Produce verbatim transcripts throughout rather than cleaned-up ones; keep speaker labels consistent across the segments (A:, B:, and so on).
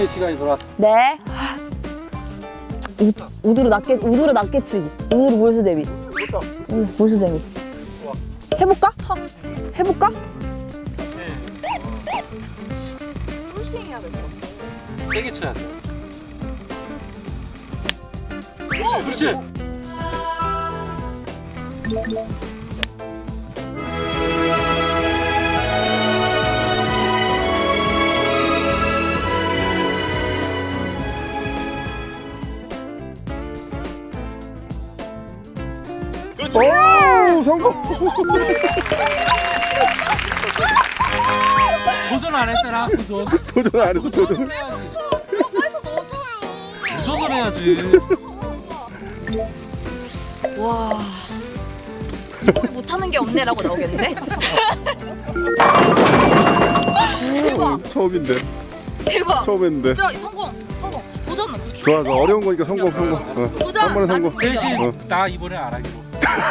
A: 힐링의 시간이 돌아왔어.
B: 네. 우, 우드로 낮게 우드로 낮게치기. 우드로 몰수대비. 응, 몰수대비. 해볼까? 하, 해볼까?
C: 풀스윙 해야 될 것 같아.
A: 세게 쳐야 돼. 그렇지, 그렇지.
D: 오, 성공.
A: 도전 안 했잖아, 도전.
D: 도전 안 했어, 도전.
A: 해야지.
C: 저거에서 넣어줘요.
A: 도전을 해야지.
C: 와. 이걸 못하는 게 없네라고 나오겠는데? 대박.
D: 처음인데.
C: 대박.
D: 처음 했는데.
C: 진짜 성공. 성공. 도전은 그렇게.
D: 좋아, 좋아. 어려운 거니까 성공, 성공. 어.
C: 도전.
D: 한 번에 성공.
C: 나중에
A: 대신
D: 어.
A: 나 이번에 안 하기로.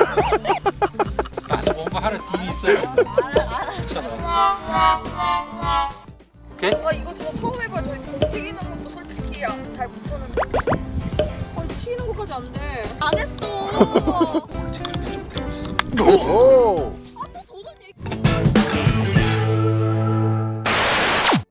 A: 나도 뭔가 하는 딜이 있어요. 그렇잖아. 오케이?
C: 아 이거 진짜 처음 해봐. 저희 공 튀기는 것도 솔직히 잘 못하는데. 아 튀기는 것까지 안 돼. 안 했어.
A: 딜이 좀 되고 있어.
D: 오,